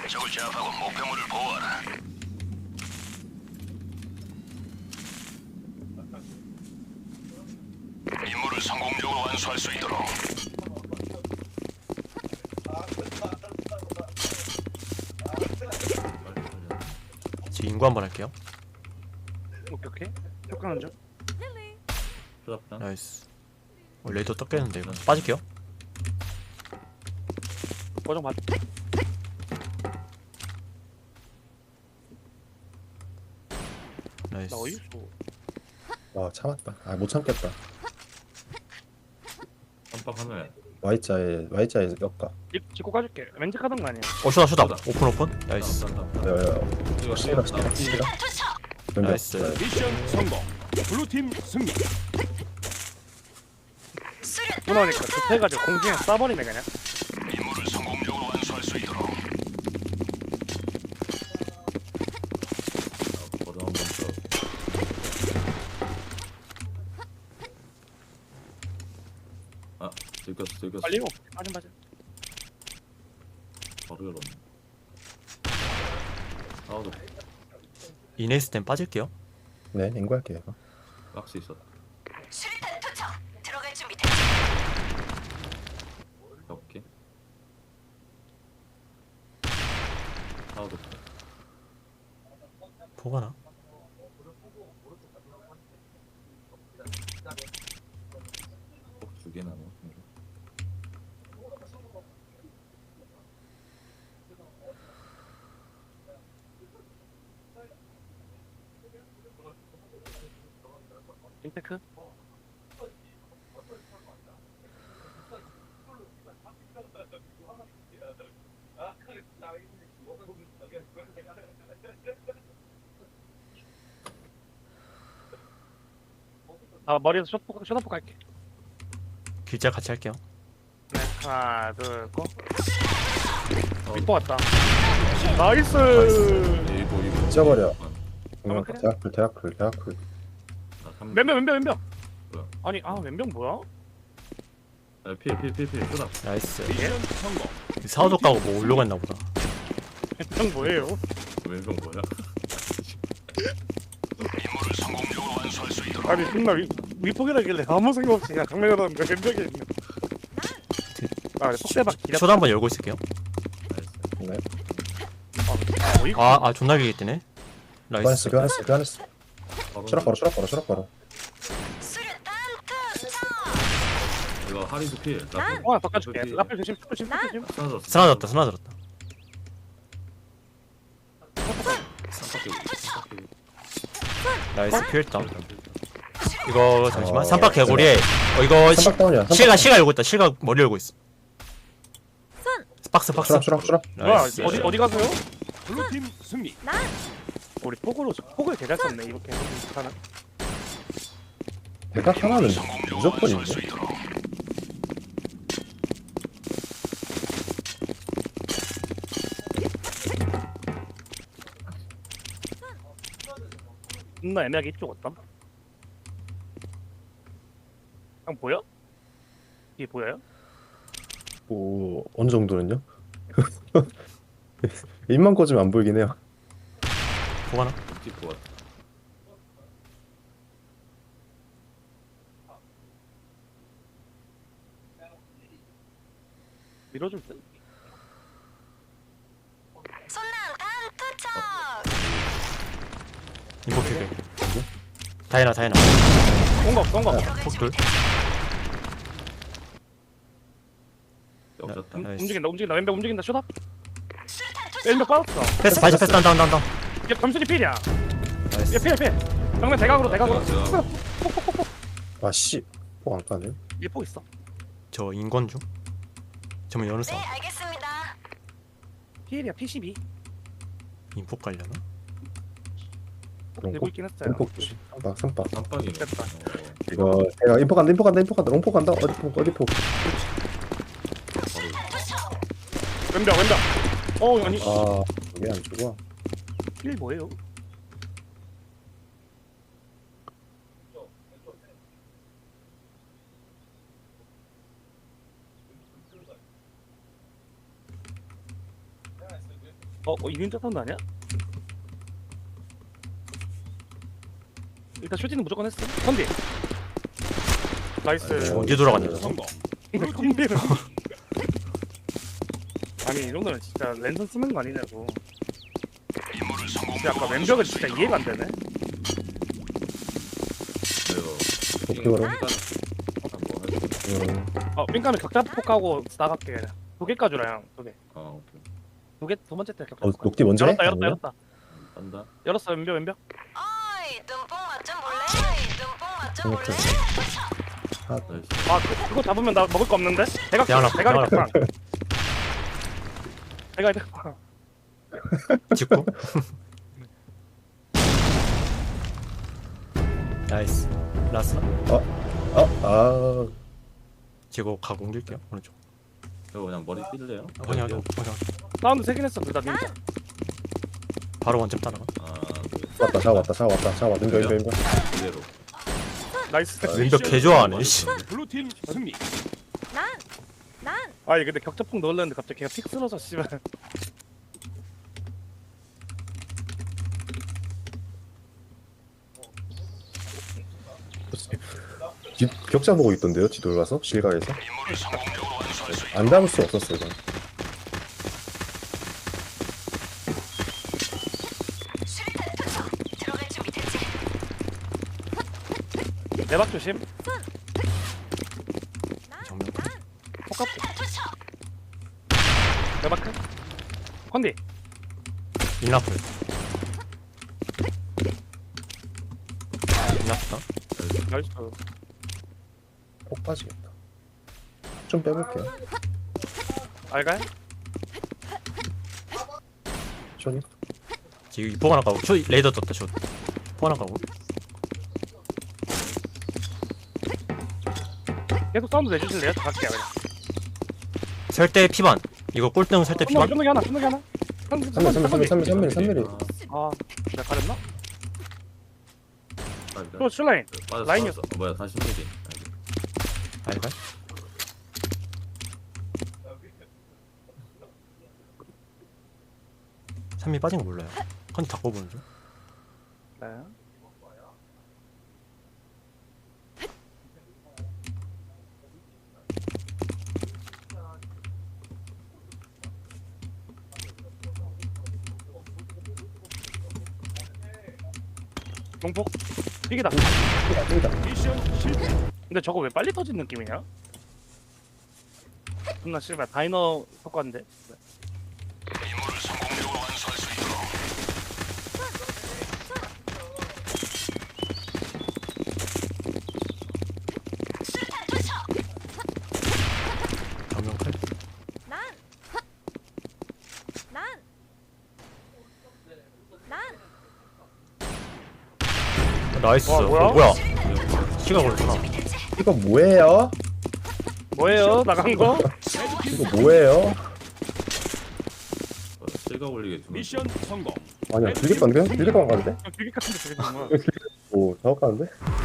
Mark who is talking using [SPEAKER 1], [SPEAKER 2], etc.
[SPEAKER 1] 적을 제압하고 목표물을 보호하라. 임무를 성공적으로 완수할 수 있도록.
[SPEAKER 2] 제 인구 한번 할게요.
[SPEAKER 3] 오케이. 효과는 좀.
[SPEAKER 4] 부럽다.
[SPEAKER 2] 나이스. 레이더 떴겠는데 이거 빠질게요.
[SPEAKER 3] 고정 받.
[SPEAKER 2] 나이스.
[SPEAKER 3] 나 어디 있어?
[SPEAKER 5] 와 참았다. 아 못 참겠다.
[SPEAKER 4] 깜빡 하늘.
[SPEAKER 5] Y자에 엮까.
[SPEAKER 3] 짚고 가줄게. 왠지 가던 거 아니야?
[SPEAKER 2] 쇼다 쇼다.
[SPEAKER 4] 쇼다.
[SPEAKER 2] 오픈. 나이스.
[SPEAKER 5] 야야야.
[SPEAKER 4] 이거
[SPEAKER 5] 시라.
[SPEAKER 2] 나이스.
[SPEAKER 6] 미션 성공. 블루팀 승리.
[SPEAKER 3] 무너니까 급해가지고 공중에 쏴버리네 그냥.
[SPEAKER 1] 임무를 성공적으로 완수할 수 있도록.
[SPEAKER 4] 거도 한번 더. 아, 들켰어.
[SPEAKER 3] 빨리 오. 맞아.
[SPEAKER 4] 바로 열었네. 아우도
[SPEAKER 2] 이네스 땐 빠질게요.
[SPEAKER 5] 네 인구할게요 이거.
[SPEAKER 4] 박스 있었다.
[SPEAKER 7] 수류탄 투척. 들어갈 준비 됐지?
[SPEAKER 4] 오케이. 아우도
[SPEAKER 2] 보가나?
[SPEAKER 4] 꼭두 개나 뭐.
[SPEAKER 3] 인테크. 아 머리에서 숏포 갈게.
[SPEAKER 2] 길자 같이 할게요.
[SPEAKER 3] 네, 하나 둘 고.
[SPEAKER 4] 어,
[SPEAKER 3] 밑보 왔다. 나이스.
[SPEAKER 4] 이거.
[SPEAKER 5] 찢어버려.
[SPEAKER 3] 그래?
[SPEAKER 5] 대학풀.
[SPEAKER 4] 아,
[SPEAKER 3] 왼병.
[SPEAKER 4] 뭐야?
[SPEAKER 3] 아니 왼병 뭐야?
[SPEAKER 4] 아, 필. 쏘다.
[SPEAKER 2] 나이스.
[SPEAKER 6] 미션 성공.
[SPEAKER 2] 사오도 까고 뭐 올려고 했나 보다.
[SPEAKER 3] 왼병 뭐예요?
[SPEAKER 4] 왼손 뭐야?
[SPEAKER 1] 임무를 성공적으로 완수할 수 있도록.
[SPEAKER 3] 아니 존나 위폭이라길래 아무 생각 없이 그냥 강매가 나는데 왼병이 있네. 아 폭대박 기다.
[SPEAKER 2] 쇼다 한번 열고 있을게요.
[SPEAKER 4] 나이스.
[SPEAKER 5] 네.
[SPEAKER 3] 어이구.
[SPEAKER 2] 존나 길게 뜨네. 나이스.
[SPEAKER 5] 교환했어.
[SPEAKER 4] 바로
[SPEAKER 5] 추락 바로.
[SPEAKER 7] 수류탄 투척.
[SPEAKER 4] 이거 하리도 필.
[SPEAKER 3] 바꿔줄게. 라펠 조심.
[SPEAKER 4] 사라졌어.
[SPEAKER 2] 스나졌다. 나이스 피했다. 이거 잠시만. 삼박 개구리에 이거
[SPEAKER 5] 삼박 다운이야.
[SPEAKER 2] 실가 열고 있다. 실가 머리 열고 있어. 박스.
[SPEAKER 5] 추락.
[SPEAKER 3] 뭐야
[SPEAKER 2] 나이스.
[SPEAKER 3] 어디 가세요?
[SPEAKER 6] 블루팀 승리.
[SPEAKER 3] 우리 폭을 개잘 썼네 이렇게 하나.
[SPEAKER 5] 대각 하나는
[SPEAKER 1] 성공적으로
[SPEAKER 5] 무조건인데.
[SPEAKER 1] 완수할 수 있도록.
[SPEAKER 3] 존나 애매하게 이쪽 왔다. 형 보여? 뒤에 보여요?
[SPEAKER 5] 뭐 어느 정도는요? 입만 꽂으면 안 보이긴 해요.
[SPEAKER 2] 보가나?
[SPEAKER 4] 찍고 왔다.
[SPEAKER 3] 밀어줄 듯?
[SPEAKER 7] 손난탄 투척.
[SPEAKER 2] 이거 길게. 다이나.
[SPEAKER 3] 쏜거.
[SPEAKER 2] 폭돌.
[SPEAKER 4] 엮였다.
[SPEAKER 2] 나이스.
[SPEAKER 3] 움직인다. 왼벽 움직인다. 쇼다.
[SPEAKER 7] 수류탄 투척.
[SPEAKER 3] 왼벽 빠졌어.
[SPEAKER 2] 패스 다운.
[SPEAKER 3] 얘 점수리 필이야.
[SPEAKER 2] 나이스.
[SPEAKER 3] 얘 필. 정면 대각으로.
[SPEAKER 5] 아씨. 안 까네.
[SPEAKER 3] 얘폭 있어.
[SPEAKER 2] 저 인권 중. 저면 여느
[SPEAKER 7] 네,
[SPEAKER 2] 싸움.
[SPEAKER 7] 알겠습니다.
[SPEAKER 3] 필이야. P12.
[SPEAKER 2] 인폭 갈려나?
[SPEAKER 5] 그런
[SPEAKER 3] 들고
[SPEAKER 5] 거.
[SPEAKER 3] 있긴 했어요.
[SPEAKER 5] 인폭 조심. 삼박.
[SPEAKER 4] 깜빡이네.
[SPEAKER 3] 됐다.
[SPEAKER 5] 이거 내가 인포 간다. 롱포 간다. 어디 포.
[SPEAKER 3] 왼벽. 아니
[SPEAKER 5] 아 이게 안 죽어.
[SPEAKER 3] 필 뭐예요? 이륜자 사운드 아니야? 일단 슈팅은 무조건 했어. 컨디. 나이스.
[SPEAKER 2] 언제 돌아갔냐
[SPEAKER 6] 성공.
[SPEAKER 3] 컨디를. 아니 이 정도면 진짜 랜선 쓰는 거 아니냐고.
[SPEAKER 1] 임무를
[SPEAKER 3] 근데
[SPEAKER 1] 성공적으로
[SPEAKER 3] 아까 왼벽은 진짜 이해가 안 되네.
[SPEAKER 4] 이거
[SPEAKER 5] 도쿄로.
[SPEAKER 3] 삥까면 격자폭하고 나갈게 그냥. 2개 까주라 형. 2개.
[SPEAKER 4] 오케이.
[SPEAKER 3] 두 번째 때 격자폭.
[SPEAKER 5] 녹디 먼저 해?
[SPEAKER 3] 열었다
[SPEAKER 5] 아니면?
[SPEAKER 3] 열었다.
[SPEAKER 4] 간다.
[SPEAKER 3] 열었어 왼벽.
[SPEAKER 7] 어이 눈뽕 맛좀 볼래? 눈뽕 맛좀 볼래?
[SPEAKER 4] 나이스.
[SPEAKER 3] 아 그거 잡으면 나 먹을 거 없는데? 대각
[SPEAKER 2] 대가리
[SPEAKER 3] 대가리
[SPEAKER 2] 대가리.
[SPEAKER 3] 격방. 대가리 격방.
[SPEAKER 2] 찍고 나이스 라스나
[SPEAKER 5] 아,
[SPEAKER 2] 지고 가공 릴게요 오른쪽
[SPEAKER 4] 이거 그냥 머리 삐질래요?
[SPEAKER 2] 그냥
[SPEAKER 3] 사운드 세긴 했어 둘다 닌자.
[SPEAKER 2] 바로 원점 따라가
[SPEAKER 5] 왔다, 샤워 왔다, 샤워 왔다, 샤워 왔다. 인벽.
[SPEAKER 4] 그대로.
[SPEAKER 3] 나이스.
[SPEAKER 2] 왼벽 개 좋아하네 씨.
[SPEAKER 6] 블루팀 승리.
[SPEAKER 7] 난
[SPEAKER 3] 아니 근데 격자폭 넣으려는데 갑자기 걔가 픽 쓰러져 씨발.
[SPEAKER 5] 격자 보고 있던데요, 지도를 가서? 실각에서?
[SPEAKER 1] 임무를 성공적으로 완수할 수 있도록
[SPEAKER 5] 안 잡을 수 없었어, 이건.
[SPEAKER 7] 수류탄 투척. 들어갈 준비 됐지?
[SPEAKER 3] 대박 조심.
[SPEAKER 2] 정면
[SPEAKER 3] 폭갑.
[SPEAKER 7] 수류탄 투척.
[SPEAKER 3] 대박 큰. 컨디.
[SPEAKER 2] 인라플 인라플다
[SPEAKER 3] 나이스.
[SPEAKER 5] 폭 빠지겠다. 좀 빼볼게요.
[SPEAKER 3] 알가요?
[SPEAKER 5] 쇼니?
[SPEAKER 2] 지금 이포 하나 가고 저 레이더 떴다 저 포 하나 가고
[SPEAKER 3] 계속 사운드 내주실래요? 저 갈게요 그냥.
[SPEAKER 2] 설대 피반 이거 꼴등 설대 피반
[SPEAKER 3] 쫀득이 하나.
[SPEAKER 5] 3mm.
[SPEAKER 3] 아 내가 가렸나?
[SPEAKER 4] 아,
[SPEAKER 3] 또 슐라인.
[SPEAKER 4] 빠졌어.
[SPEAKER 3] 라인이었어.
[SPEAKER 4] 빠졌어. 뭐야, 다시 미리.
[SPEAKER 2] 알갈 산미 빠진 거 몰라요 컨디 다 꼽으는 중
[SPEAKER 3] 네. 농폭 삐기다.
[SPEAKER 6] 미션 실패.
[SPEAKER 3] 근데 저거 왜 빨리 터진 느낌이냐? 존나 씨발 다이너 효과인데.
[SPEAKER 1] 임무를 성공적으로 완수할 수 있도록
[SPEAKER 7] 수류탄 투척.
[SPEAKER 2] 정면 칼 나이스
[SPEAKER 3] 와, 뭐야?
[SPEAKER 2] 뭐야 시간 걸렸구나
[SPEAKER 5] 이거 뭐예요?
[SPEAKER 3] 뭐예요? 나간 거?
[SPEAKER 5] 이거 뭐예요?
[SPEAKER 4] 실각 올리게 두
[SPEAKER 6] 미션 성공.
[SPEAKER 5] 아니야, 길게 간대요? 길게 가는데?
[SPEAKER 3] 비기 같은데 되게 정말.
[SPEAKER 5] 오, 작업 가는데?